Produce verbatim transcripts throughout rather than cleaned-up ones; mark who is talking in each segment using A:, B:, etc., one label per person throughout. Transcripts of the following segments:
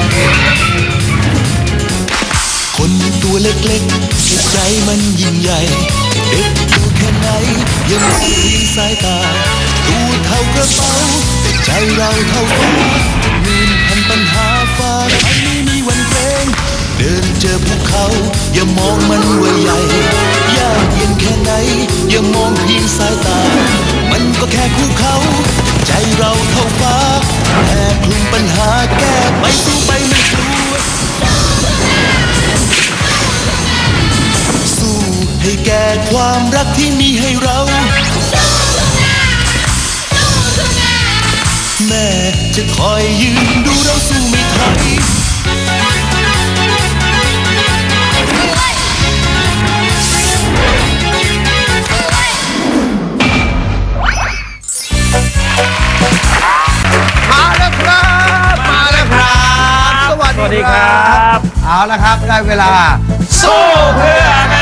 A: คนตัวเล็กๆแต่ใจมันยิ่งใหญ่เด็กตัวแค่ไหนยังไม่ทิ้งสายตาตัวเท่ากระเป๋าแต่ใจเราเท่าฟ้าหมื่นพันปัญหาฟ้าไปไม่มีวันเกรงเดินเจอภูเขาอย่ามองมันว่าใหญ่ยากเย็นแค่ไหนอย่ามองเพียงสายตามันก็แค่ภูเขาใจเราเท่าฟ้าแค่คลุมปัญหาแก้ไปสู้ไปไม่กลัวสู้ให้แก่ความรักที่มีให้เราแม่จะคอยยืนดูเราสู้ไม่ถอย
B: มาแล้วครับมาแล้วครับสวัส
C: สวัส
B: ดี
C: ดี
B: ค
C: ค
B: รั
C: รับ บ
B: เอาละครับได้เวลา
C: สู้เพื่อแม่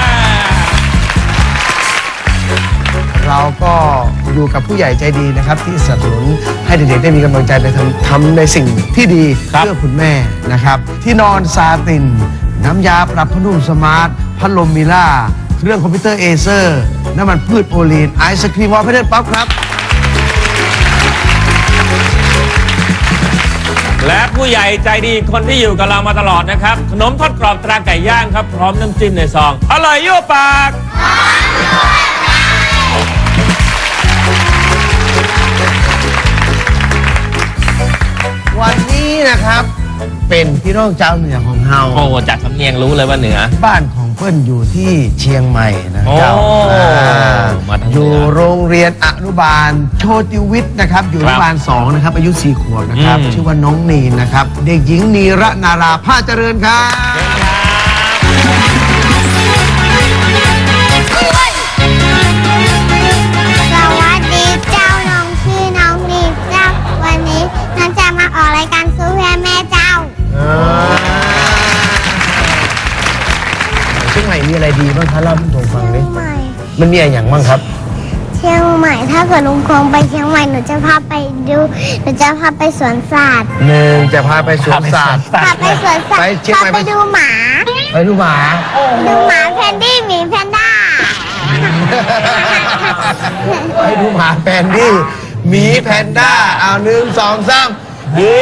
B: เราก็อยู่กับผู้ใหญ่ใจดีนะครับที่สนับสนุนให้เด็กๆได้มีกำลังใจในทำทำในสิ่งที่ดีเพื่อคุณแม่นะครับที่นอนซาตินน้ำยาปรับผ้านุ่มสมาร์ทพัดลมมิล่าเครื่องคอมพิวเตอร์เอเซอร์น้ำมันพืชโอลีนไอศครีมวอลเพดป๊อปครับ
C: และผู้ใหญ่ใจดีคนที่อยู่กับเรามาตลอดนะครับขนมทอดกรอบตราไก่ย่างครับพร้อมน้ำจิ้มในซองอร่อยยั่วปาก
B: วันนี้นะครับเป็นพี่น้องเจ้าเหนือของเฮา
C: โอ้จากสำเนียงรู้เลยว่าเหนือ
B: บ้านของเพื่อนอยู่ที่เชียงใหม่นะ
C: โอ้
B: เจ้าอ่า
C: มาทางเหนือ
B: อ
C: อยู่
B: โรงเรียนอนุบาลโชติวิทย์นะครับอยู่อนุบาลสองนะครับอายุสี่ขวบนะครับ
C: อืม
B: ชื่อว่าน้องนีนนะครับเด็กหญิงนีระนาราผ้าเจริญครับ
D: สวัสดีเจ้าน้องชื่อน้องนีเจ้าวันนี้น้องจะมาออกรายการสู้เพื่อแม่เจ้า
B: เชียงใหม่มีอะไรดีบ้างคะเล่าให้ผมฟัง
D: เชี
B: ดิ
D: ยงใหม่
B: มันมีอะไรอย่างบ้างครับ
D: เชียงใหม่ถ้าเกิดลุงคงไปเชียงใหม่หนูจะพาไปดูหนูจะพาไปสวนสัตว์
B: หนึ่งจะพาไปสวนสัตว์
D: พาไปสวนสัต
B: ไป
D: ว์
B: เชียงใหม่
D: พาไปดูหมา
B: ไปดูหมา
D: ดูหมาแพนดี้หมีแพนด้า
B: ไปดูหมาแพนดี้หมีแพนด้าเอาหนึ่งสองสามเย้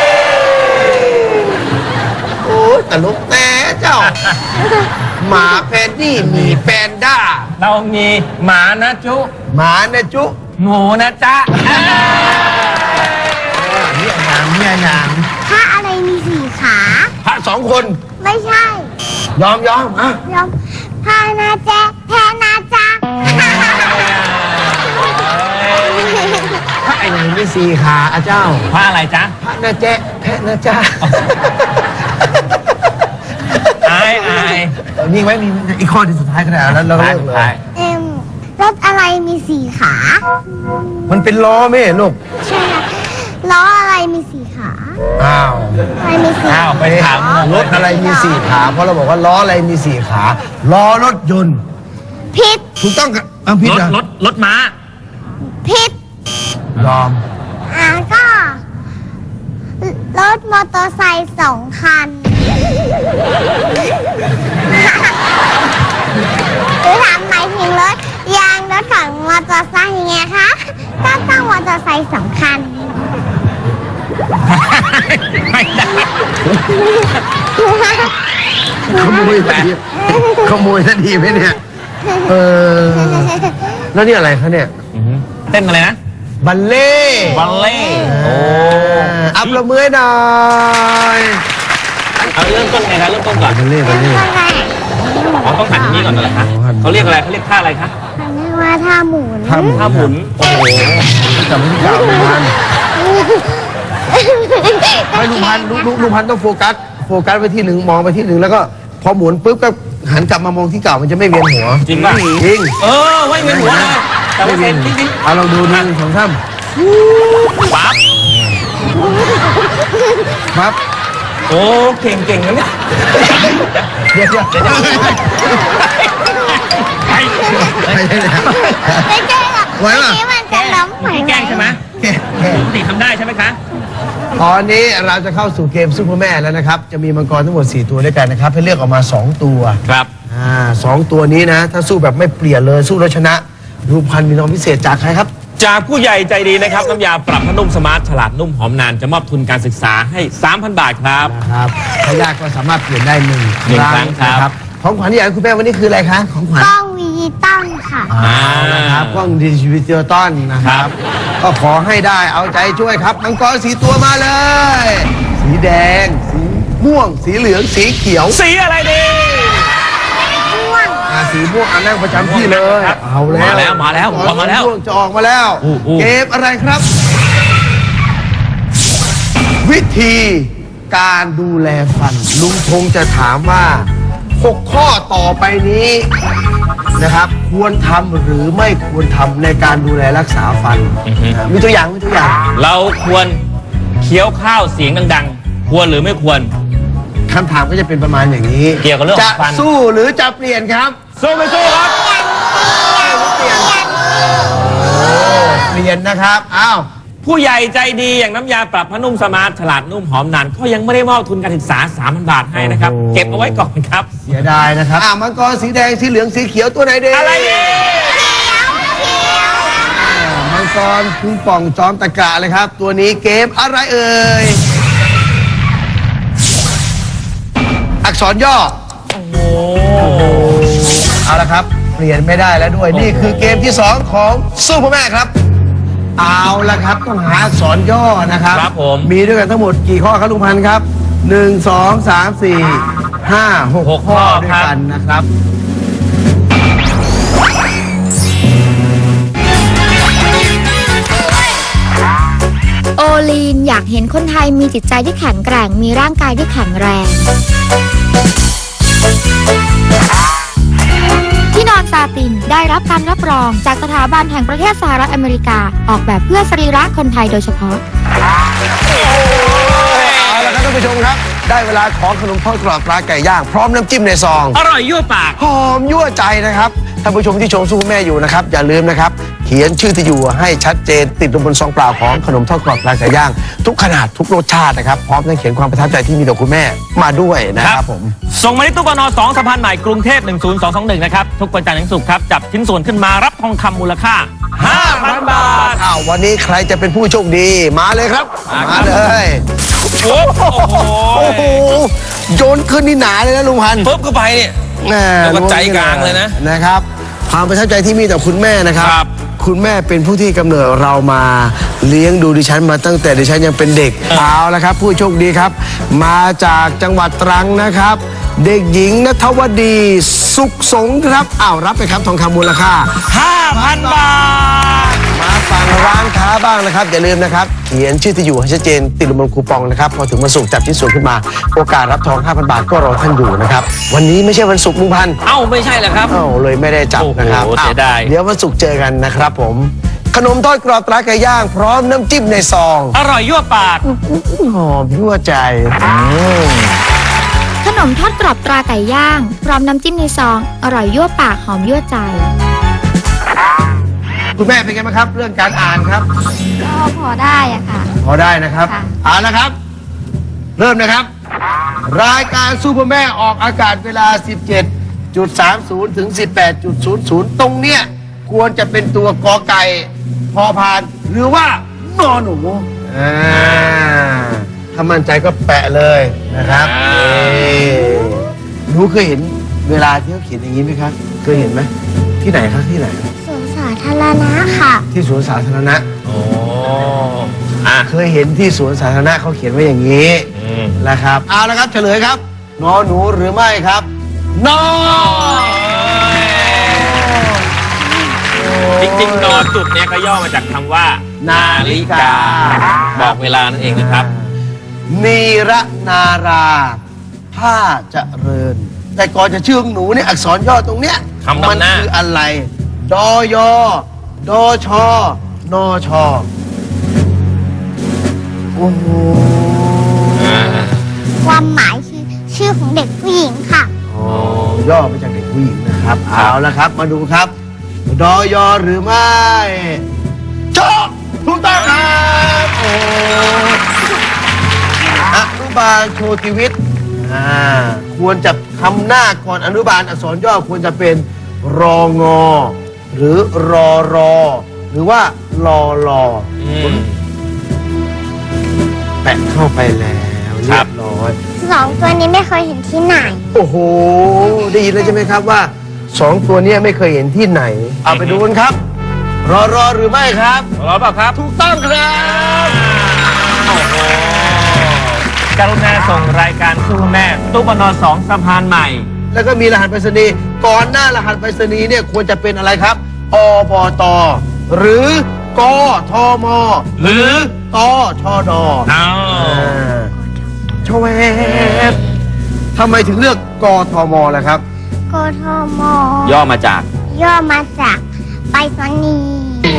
B: โอ้ยตลกแต่เจ้า หมาแพนดี้หมีแพนด้า
C: เรามีหมานะจุ
B: หมาเนี่ยจุ
C: หมูนะจ๊ะ
B: เนี่ยหนางเนี่ยหนาง
D: ถ้าอะไรมีสี่ขา
B: พระสองคน
D: ไม่ใช่
B: ยอมยอมอ่ะ
D: ยอมพานาแจ๊แพนาจ๊ะ
B: พระไอ้ไหนมีสี่ขาอ่ะเจ้า
C: ผ้าอะไรจ๊ะ
B: พระนะแจ๊ะแพะนะจ้า
C: อายอาย
B: มีไหมมีไหมอีกข้อที่สุดท้ายก็ได้แล้วเราก็เลิกเลย
D: เอ็มรถอะไรมีสี่ขา
B: มันเป็นล้อไหมลูก
D: ใช่ค่ะล้ออะไรมีสี่ขา
B: อ้าว
D: อะไรมีสี่
C: อ้าวไปถาม
B: รถอะไรมีสี่ขา เพราะเราบอกว่าล้ออะไรมีสี่ขา ล้อรถยนต์
D: ผิด
B: ถูกต้องกับอ่ะผิด
C: รถ
B: อ่ะ
C: รถรถม้า
D: ผิด
B: ยอม
D: อ่าก็ รถมอเตอร์ไซค์สองคัน หรือถามหมายถึงรถยางรถของมอเตอร์ไซค์ยังไงคะก็ต้องมอเตอร์ไซค์สองคัน
C: ไม่ได้
B: ขโมยทันทีขโมยทันทีไหมเนี่ย เออ แล้วนี่อะไรคะเนี่ย
C: อื้อหือเต้นอะไรนะ
B: บัลเล่
C: บัลเล่
B: โอ้
C: โอ้
B: อัพละมือหน่อย
C: เอาเริ่มต้นไงครับเริ่มต้นก่อน
B: บัลเล่บัลเล่
C: อ๋อต้องหันอย่างนี้ก่อนเหรอคะเขาเรียกอะไรเขาเรียกท่าอะไรคะ
D: มันเรียกว่าท่าหมุน
B: ท่าหมุน
C: ท่าหมุนโอ้โห
B: จำไม่ได้ลุงพันธุ์ให้ลุงพันธุ์ลุงลุงลุงพันธุ์ต้องโฟกัส โฟกัสไปที่หนึ่งมองไปที่หนึ่งแล้วก็พอหมุนปุ๊บก็หันกลับมามองที่เก่ามันจะไม่เวียนหัว
C: จริงป่ะ
B: จริง
C: เออไม่เหมือนหัวเลยแต่ว่าเซนจริง
B: เอาลองดูหนึ่งสองสาม
C: ๆปั๊บ
B: ครับ
C: โอ้เก่งเก่งนะเนี่ย
B: เดี๋ยวเดี๋ยวเดี๋ยว
C: ไอ้
B: ไม่ใช่แล้ว
D: ไม่ใช่หรอก
B: ไหวปะ
D: เมื่อกี้มันจะล้ม
C: เมื่อกี้แกล้งใช่ไหม
B: แค่แค่
C: ปกติทำได้ใช่ไหมคะ
B: ตอนนี้เราจะเข้าสู่เกมซุปเปอร์แม่แล้วนะครับ จะมีมังกรทั้งหมดสี่ตัวด้วยกันนะครับ ให้เลือกออกมาสองตัว
C: ครับ
B: อ่าสองตัวนี้นะ ถ้าสู้แบบไม่เปลี่ยนเลยสู้แล้วชนะรูปพันธ์มีน้องพิเศษจากใครครับ
C: จากผู้ใหญ่ใจดีนะครับ น้ำยาปรับผ้านุ่มสมาร์ทฉลาดนุ่มหอมนานจะมอบทุนการศึกษาให้ สามพัน บาทครับ
B: นะครับถ้ายากก็สามารถเปลี่ยนได้หนึ่ง
C: หนึ่งครั้งครับ
B: นะของขวัญที่อยากให้คุณแม่วันนี้คืออะไรคะของขวัญ
D: กล้องดิจิตอลค่ะ
B: เอาละครับกล้องดิจิตอลนะครับ ก็ขอให้ได้เอาใจช่วยครับมังกรสีตัวมาเลย สีแดง สีม่วง สีเหลืองสีเขียว
C: สีอะไรดี
D: ม่วง
B: อ่าสีม่วงเอานั่งประจำที่เลย
C: ครับ
B: เอาแล้ว
C: มาแล้วมาแล้ว
B: มังกร
C: มาแล้ว
B: ม่วงจะออกมาแล้ว
C: อู้อู้
B: เกมอะไรครับ วิธีการดูแลฟัน ลุงพงจะถามว่าหกข้อต่อไปนี้นะครับ ควรทำหรือไม่ควรทำในการดูแลรักษาฟัน
C: อือฮึ
B: อ่ามีตัวอย่างมีตัวอย่าง
C: เราควรเคี้ยวข้าวเสียงดังๆ ควรหรือไม่ควร
B: คำถามก็จะเป็นประมาณอย่างนี้
C: เกี่ยวกับเรื่องของ
B: จะ
C: ฟัน
B: สู้หรือจะเปลี่ยนครับ
C: สู้ไม่สู้ครับ
B: เปลี่ยนเปลี่ยนนะครับอ้าว
C: ผู้ใหญ่ใจดีอย่างน้ำยาปรับผ้านุ่มสมาร์ทฉลาดนุ่มหอมนานก็ยังไม่ได้มอบทุนการศึกษา สามพัน บาทให้นะครับ
B: โอ้โห
C: เก็บเอาไว้ก่อนครับ
B: เสียดายนะครับอ่ามังกรสีแดงสีเหลืองสีเขียวตัวไหนดี
C: อะไรดี
B: อ่ามังกรคุงป่องจอมตะกะเลยครับ ตัวนี้เกมอะไรเอ่ยอักษรย่อ
C: โอ้โห
B: เอาละครับ เปลี่ยนไม่ได้แล้วด้วย นี่คือเกมที่สองของสู้พ่อแม่ครับ เอาละครับต้องหาอักษรย่อนะครับ
C: ครับผม
B: มีด้วยกันทั้งหมดกี่ข้อครับลุงพันธ์ครับหนึ่งสองสามสี่ห้าหก
C: หก
B: ข้อ
C: ข้อ
B: ด้วย
C: ครับ
B: กันนะครับ
E: โอลีนอยากเห็นคนไทยมีจิตใจที่แข็งแกร่ง มีร่างกายที่แข็งแรง ที่นอนซาตินได้รับการรับรองจากสถาบันแห่งประเทศสหรัฐอเมริกา ออกแบบเพื่อสรีระคนไทยโดยเฉพาะ
B: เอาละครับท่านผู้ชมครับ ได้เวลาของขนมทอดกรอบปลาไก่ย่างพร้อมน้ำจิ้มในซอง
C: อร่อยยั่วปาก
B: หอมยั่วใจนะครับท่านผู้ชมที่ชมสู้แม่อยู่นะครับ อย่าลืมนะครับ เขียนชื่อที่อยู่ให้ชัดเจนติดลงบนซองเปล่าของขนมทอดกรอบปลาไก่ย่าง ทุกขนาดทุกรสชาตินะครับ พร้อมทั้งเขียนความประทับใจที่มีต่อคุณแม่มาด้วยนะครับผม
C: ส่งมาที่ตู้ปนสองสะพานใหม่กรุงเทพหนึ่งศูนย์สองสองหนึ่งนะครับ ทุกวันจันทร์ถึงศุกร์ครับ จับชิ้นส่วนขึ้นมารับทองคำมูลค่า ห้าพัน บาท
B: อ้าววันนี้ใครจะเป็นผู้โชคดีมาเลยครับ
C: มาครับ
B: มาเลย
C: โอ้โห
B: โอ้โหโยนขึ้นนี่หนาเลยนะลุงพันธุ์
C: ปุ๊บเข้าไปเนี่ย
B: แหม่
C: แล้วก็ใจกลางเลยนะ
B: นะครับความประทับใจที่มีต่อคุณแม่นะครับ
C: ครับ
B: คุณแม่เป็นผู้ที่กำเนิดเรามาเลี้ยงดูดิฉันมาตั้งแต่ดิฉันยังเป็นเด็กเอาละครับ ผู้โชคดีครับ มาจากจังหวัดตรังนะครับ เด็กหญิงณัฐวดีสุขสงฆ์ครับอ้าวรับไปครับทองคำมูลค่า
C: ห้าพัน บาท
B: มาฟังร้านค้าบ้างนะครับอย่าลืมนะครับเขียนชื่อที่อยู่ให้ชัดเจนติดลงบนคูปองนะครับพอถึงวันศุกร์จับชิ้นส่วนขึ้นมา โอกาสรับทอง ห้าพัน บาทก็รอท่านอยู่นะครับวันนี้ไม่ใช่วันศุกร์ลุงพันธุ์
C: เอ้าไม่ใช่เหรอครับ
B: เอ้าเลยไม่ได้จับนะครับ
C: โอ้โห
B: อ้าว
C: เสียดาย
B: เดี๋ยววันศุกร์เจอกันนะครับผม ขนมทอดกรอบตราไก่ย่าง พร้อมน้ำจิ้มในซอง
C: อร่อยยั่วปาก
B: หอมยั่วใจ
E: ขนมทอดกรอบตราไก่ย่าง พร้อมน้ำจิ้มในซอง อร่อยยั่วปากหอมยั่วใจ
B: คุณแม่เป็นไงบ้างครับ เรื่องการอ่านครับ
E: ก็พอได้อะค่ะ
B: พอได้นะครับ
E: ค่ะ
B: อ่านนะครับ เริ่มนะครับ รายการซูเปอร์แม่ออกอากาศเวลา สิบเจ็ดจุดสามศูนย์ ถึง สิบแปดจุดศูนย์ศูนย์ ตรงเนี้ยควรจะเป็นตัวกอไก่พอพาน หรือว่านอหนูอ่าถ้ามั่นใจก็แปะเลยนะครับ
C: อ่า
B: นี่หนูเคยเห็นเวลาที่เขาเขียนอย่างนี้ไหมครับ เคยเห็นไหมที่ไหนครับที่ไหน
D: สวนสาธารณะค่ะ
B: ที่สวนสาธารณะ
C: โอ้อ่ะ
B: เคยเห็นที่สวนสาธารณะเขาเขียนไว้อย่างนี้
C: อืม
B: นะครับเอาละครับเฉลยครับนอหนูหรือไม่ครับนอ
C: จริงๆนอจุดเนี่ยก็ย่อมาจากคำว่า นาฬิกา บอกเวลานั่นเองนะครับ
B: นีระนาราผ้าเจริญ แต่ก่อนจะชื่อของหนูเนี่ยอักษรย่อตรงเนี้ย
C: คำนำหน้ามั
B: มัคืออะไรดอยอดอชอนอชอโอ้โห
D: ความหมายคือชื่อของเด็กผู้หญิงค่ะ
B: อ๋อย่อมาจากเด็กผู้หญิงนะครับ
C: ครับ
B: เอาละครับมาดูครับดอยอหรือไม่โชคถูกต้องครับโอ้อนุบาลโชติวิทย์อ่าควรจะทำหน้าก่อนอนุบาลอักษรย่อควรจะเป็นรองอหรือรอรอหรือว่ารอรอ
C: อืม
B: แปะเข้าไปแล้วเรียบร้อย
D: สองตัวนี้ไม่เคยเห็นที่ไหน
B: โอ้โห ได้ยินแล้วใช่ไหมครับว่าสองตัวเนี้ไม่เคยเห็นที่ไหน เอาไปดูกันครับ รอรอหรือไม่ครับ
C: รอเปล่าครับ
B: ถูกต้องครับ
C: โอ้โหกรุณาส่งรายการสู้แม่ตู้ปนอสองสะพานใหม่
B: แล้วก็มีรหัสไปรษณีย์ก่อนหน้ารหัสไปรษณีย์เนี่ยควรจะเป็นอะไรครับอบตหรือกทม
C: หรือ
B: ตชด
C: เอา
B: ชวบทำไมถึงเลือกกทมล่ะครับ
D: กทม
C: ย่อมาจาก
D: ย่อมาจากไปรษณีย์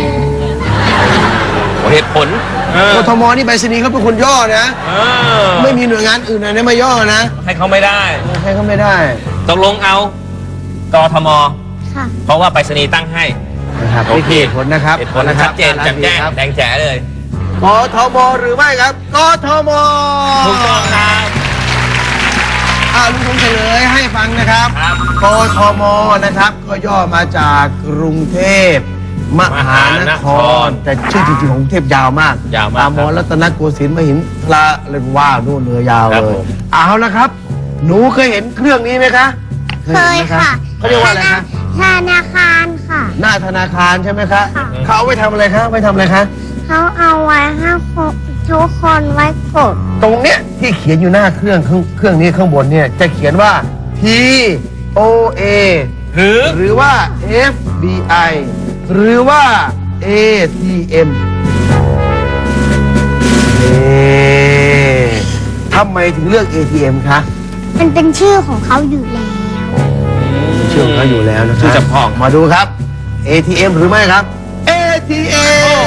C: เหตุผลเออก
B: ทมนี่ไปรษณีย์เขาเป็นคนย่อนะ
C: เออ
B: ไม่มีหน่วยงานอื่นไหนมาย่อนะ
C: ให้เขาไม่ได้
B: ใครก็ไม่ได้
C: ตกลงเอากทม
D: ค่ะ
C: เพราะว่าไปรษณีย์ตั้งให้
B: นะครับ
C: โอเค
B: นี่คือเหตุผลนะครับ
C: เหตุผลชัดเจนแจ่มแจ้ง
B: ครับ
C: แดงแจ๋เลย
B: กทมหรือไม่ครับกทม
C: ถูกต้องครับ
B: อ่าลุงคงเฉลยให้ฟังนะครับ
C: ครับ
B: กทมนะครับ ก็ย่อมาจากกรุงเทพมหานคร แต่ชื่อจริงๆของกรุงเทพยาวมาก
C: ยาวมาก
B: อามรรัตนโกสินทร์มหินทราเลยว่านู่นเนือยาว
C: ครับ
B: เลย
C: ผม
B: เอาละครับ หนูเคยเห็นเครื่องนี้ไหมคะ
D: เคย
B: ห็นไหม
D: ค่ะ
B: เขาเรียกว่าอะไรคะ
D: ธนาคารค่ะ
B: หน้าธนาคารใช่ไหมคะ
D: ค่ะ
B: เขาเอาไว้ทำอะไรคะไว้ทำอะไรคะ
D: เขาเอาไว้ให้คนทุกคนไว้กด
B: ตรงเนี้ยที่เขียนอยู่หน้าเครื่องเครื่องเครื่องนี้ข้างบนเนี่ยจะเขียนว่า T O A
C: หรือ
B: หรือว่า F B I หรือว่า A T M เอ๊ะทำไมถึงเลือก A T M คะ
D: มันเป็นชื่อของเขาอยู่แล้ว
B: ชื่อของเขาอยู่แล้วนะค
C: ชื่
B: รั
C: อจำพอง
B: มาดูครับ A T M หรือไม่ครับ A T M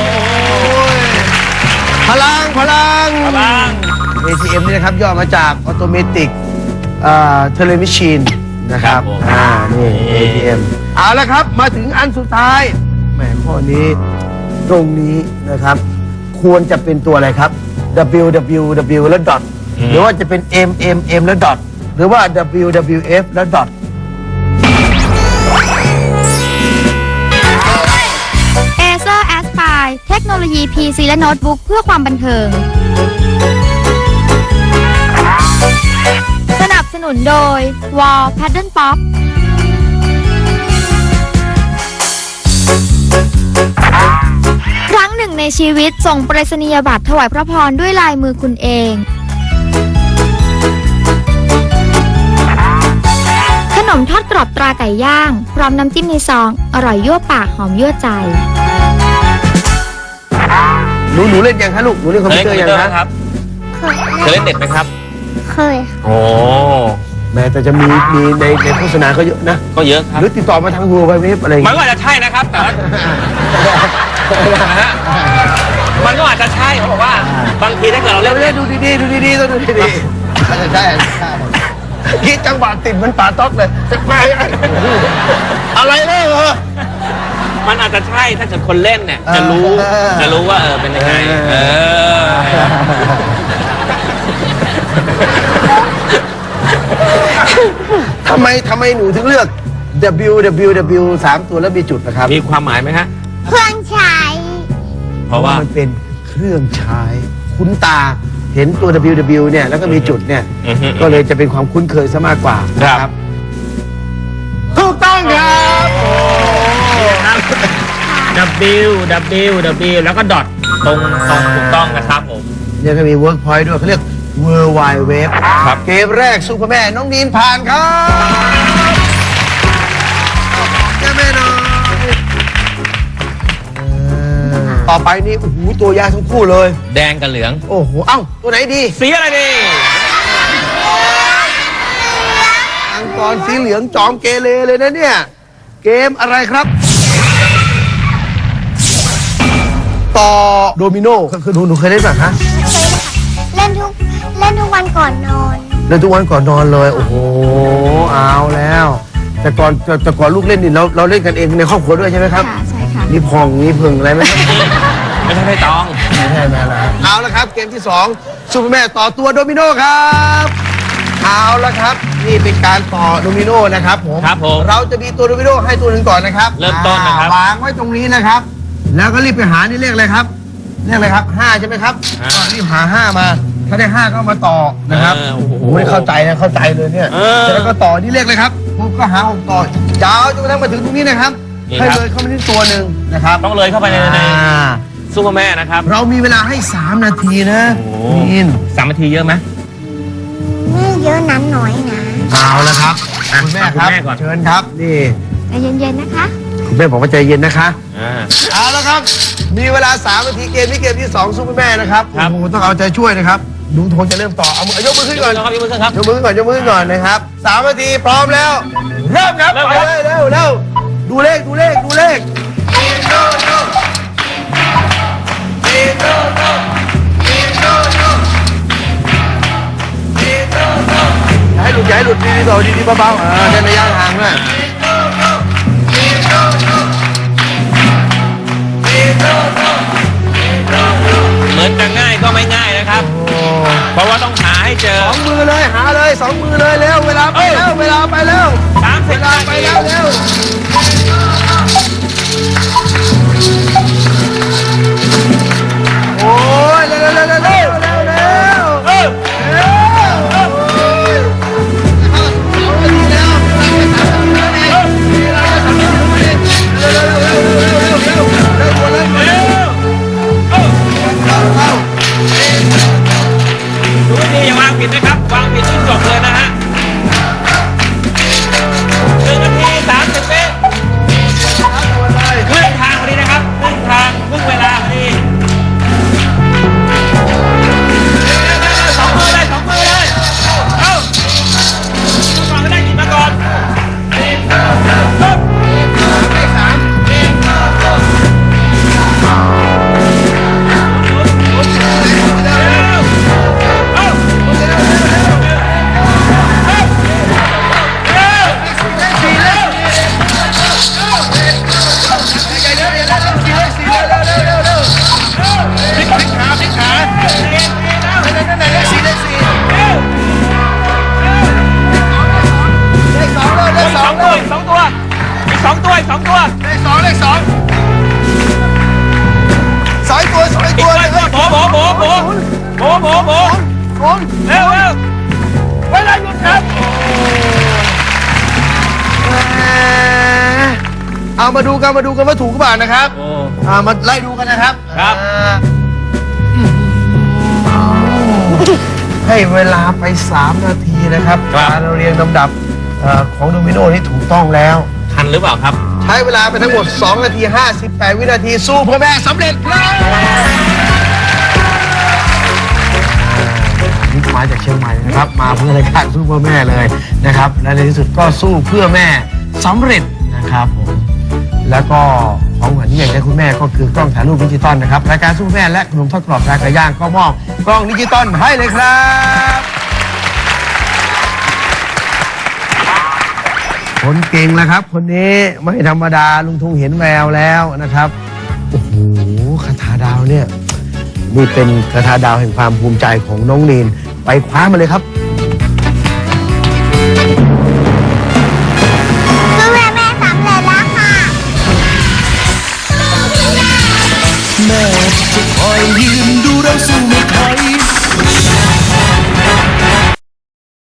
B: พลังพลัง
C: บ้าง
B: เอ ที เอ็ม นี่นะครับย่อมาจาก Automatic เอ่อ Teller Machine นะครับ
C: ครับผม
B: อ่า นี่ เอ ที เอ็ม เอาละครับ มาถึงอันสุดท้ายแหมข้อนี้ ตรงนี้นะครับ ควรจะเป็นตัวอะไรครับ W W W แล้ว dot หรือว่าจะเป็น M M M แล้ว dot หรือว่า W W F แล้ว dot
E: Acer Aspire เทคโนโลยี พี ซี และโน้ตบุ๊กเพื่อความบันเทิง สนับสนุนโดย Wall Pattern Pop ครั้งหนึ่งในชีวิตส่งไปรษณียบัตรถวายพระพรด้วยลายมือคุณเอง ขนมทอดกรอบตราไก่ย่าง พร้อมน้ำจิ้มในซอง อร่อยยั่วปากหอมยั่วใจ
B: หนูหนูเล่นยังคะลูก หนูเล่นคอม
C: เค
B: พิ
C: ยว เล่
B: เต
C: น
B: อ
C: คอม
B: ร์
C: พิ
B: ยั
C: ว
B: ง
C: เตอร์
B: คะ
C: ไหมครับ เคยเล่นเน็ตไหมครับ
D: เคยค่ะ
C: โอ้
B: แม้แต่จะมีมีในในโฆษณาก็เยอะนะ
C: ก็เยอะครับ
B: หรือติดต่อมาทางหัวเว็บอะไรอย่าง
C: มัน
B: เงี้ย
C: ก็อาจจะใช่นะครับ แต่ว่านะฮะมันก็อาจจะใช่เขาบอกว่า บางทีถ้าเกิดเรา
B: เดี๋
C: เล่
B: ยวน เดี๋ยวดูดีๆดูดีๆต้องดูดีๆอาจจะใช่อาจจะใช่คิดจังหวะติดเหมันป่าต๊อกเลยจะไปอะไรเนี่ยเหรอ
C: มันอาจจะใช่ถ้าเกิดคนเล่นเนี่ย จะรู้
B: เออ
C: จะรู้ว่าเออเป็นยังไง
B: เอ
C: เอ
B: อ
C: อ
B: ทำไมทำไมหนูถึงเลือก W W W สามตัวแล้วมีจุดนะครับ
C: มีความหมายไหมฮะ
D: เครื่องใช้
C: เพราะว่า
B: มันเป็นเครื่องใช้คุ้นตาเห็นตัว W W เนี่ยแล้วก็มีจุดเนี่ย
C: อือฮึ
B: ก็เลยจะเป็นความคุ้นเคยซะมากกว่า
C: ครับ
B: ถูกต้องครับ
C: W W W แล้วก็ดอทตรงตรงถูกต้องนะครับผม
B: เนี่ยก็มี Workpoint ด้วยเขาเรียก World Wide Web
C: ครับ
B: เกมแรกซุปเปอร์แม่น้องนีนผ่านครับแม่แม่หน่อยเออต่อไปนี่โอ้โหตัวยากทั้งคู่เลย
C: แดงกับเหลือง
B: โอ้โห เอ้า ตัวไหนดี
C: สีอะไรดี
B: อังกรสีเหลืองจอมเกเรเลยนะเนี่ย เกมอะไรครับ ต่อโดมิโนคือหนูหนูเคยเล่นป่ะคะ
D: เคยค่ะเล่นทุกเล่นทุกวันก่อนนอน
B: เล่นทุกวันก่อนนอนเลย โอ้โห เอาแล้ว แต่ก่อนแต่แต่ก่อนลูกเล่นนี่เราเราเล่นกันเองในครอบครัวด้วยใช่ไหมครับ
E: ค่ะ ใช่ค่ะ
B: มีพองมีพึงอะไรไหมครับ
C: ไม่ใช่ไม่ตอง
B: ไม่ใช่แม่แล้วเอาละครับเกมที่สองซูเปอร์แม่ต่อตัวโดมิโนครับเอาละครับนี่เป็นการต่อโดมิโนนะครับผม
C: ครับผม
B: เราจะมีตัวโดมิโนให้ตัวหนึ่งก่อนนะครับ
C: เริ่มต้นนะครับ
B: อ่าวางไว้ตรงนี้นะครับ แล้วก็รีบไปหานี่เลขอะไรครับเลขอะไรครับห้าใช่ไหมครับ
C: ห้า
B: ก็รีบหาห้ามา ถ้าได้ห้าก็เอามาต่อนะครับ
C: เออโอ้โห
B: ไม่เข้าใจนะเข้าใจเลยเนี่ย
C: เออ
B: แล้วก็ต่อนี่เลขเลยครับผมก็หาหกต่อยาวจนกระทั่งมาถึงตรงนี้นะครับ
C: นี่
B: ให้
C: ครับ
B: เลยเข้ามาที่ตัวหนึ่งนะครับ
C: ต้องเลยเข้าไปในใน
B: อ่า
C: ซูเปอร์แม่นะครับ
B: เรามีเวลาให้สามนาทีนะ
C: โอ้
B: นิน
C: สามนาทีเยอะไหม
D: นี่เยอะนั้นน้อยนะ
B: เอาละครับ
C: อ่ะ
B: คุณแม่
C: เอาคุณ
B: ครับ
C: แม่ก่อน
B: เชิญครับนี่
E: ใจเย็นๆนะคะ
B: คุณแม่บอกว่าใจเย็นนะคะ
C: อ่า
B: เอาละครับ มีเวลาสามนาทีเกมนี้เกมที่สองซุปเปอร์แม่นะครับ
C: ครับ
B: โอ้โหต้องเอาใจช่วยนะครับลุงโทนจะเริ่มต่อเอามือยกมือขึ้นก่อน
C: ครับยกมือขึ้นครับ
B: ยกมือขึ้นก่อนยกมือขึ้นก่อนนะครับสามนาทีพร้อมแล้ว เริ่มครับ
C: เริ่ม
B: ไป
C: ครับ
B: เลยเร็วเร็วดูเลขดูเลขดูเลขอย่าให้หลุดอย่าให้หลุดดีๆต่อดีๆเบาๆเออเดินระยะห่างด้วย
C: เหมือนจะง่ายก็ไม่ง่ายนะครับ
B: โอ้
C: เพราะว่าต้องหาให้เจอ
B: สองมือเลยหาเลยสองมือเลยเร็วเวลาไปแล้วเวลาไปแล้ว
C: สามสิ
B: เว
C: บ
B: ลา
C: นา
B: ไป
C: ที
B: แล้วเร็วโอ้ยเร็วเร็วเร็วเร็วเร็วเร็ว
C: เออ
B: เร็ว
C: ดูให้ดีอย่าวางผิดนะครับ วางผิดที่จบเลยนะฮะหนึ่งนาทีสามสิบวิครึ่งทางพอดีนะครับครึ่งทางครึ่งเวลาพอดีสองมือเลยสองมือเลยเอ้าก่อนก็ได้กินมาก่อนสองตัวอีกสองตัวอีกสองตัวอีกสองตัว
B: เลขสองเลขสองสองตัวสอง
C: อีก
B: ตัว
C: ตัว
B: เลย
C: โบโบโบโบโบโบโบ
B: คน
C: เร็วเร็วเวลาหยุดครับ
B: เอามาดูกันมาดูกันว่าถูกหรือเปล่านะครับ
C: โอ้
B: อ่ามาไล่ดูกันนะครับ
C: ครับ
B: อ่าให้เวลาไปสามนาทีนะครับการเรียงลำดับเอ่อของโดมิโนนี่ถูกต้องแล้ว
C: ทันหรือเปล่าครับ
B: ใช้เวลาไปทั้งหมดสองนาทีห้าสิบแปดวินาทีสู้พ่อแม่สำเร็จครับนี่มาจากเชียงใหม่นะครับ มาเพื่อรายการสู้เพื่อแม่เลยนะครับ และในที่สุดก็สู้เพื่อแม่สำเร็จนะครับผมแล้วก็ของขวัญที่อยากได้คุณแม่ก็คือกล้องถ่ายรูปดิจิตอลนะครับรายการสู้แม่และขนมทอดกรอบราคาย่างก็มอบกล้องดิจิตอลให้เลยครับคนเก่งแล้วครับ คนนี้ไม่ธรรมดาลุงทุงเห็นแววแล้วนะครับโอ้โหคาถาดาวเนี่ยนี่เป็นคาถาดาวแห่งความภูมิใจของน้องนีนไปคว้ามาเลยครับ
D: ซูเปอร์แม่สำเร็จแล้วค่ะ
A: แม่จะคอยยืน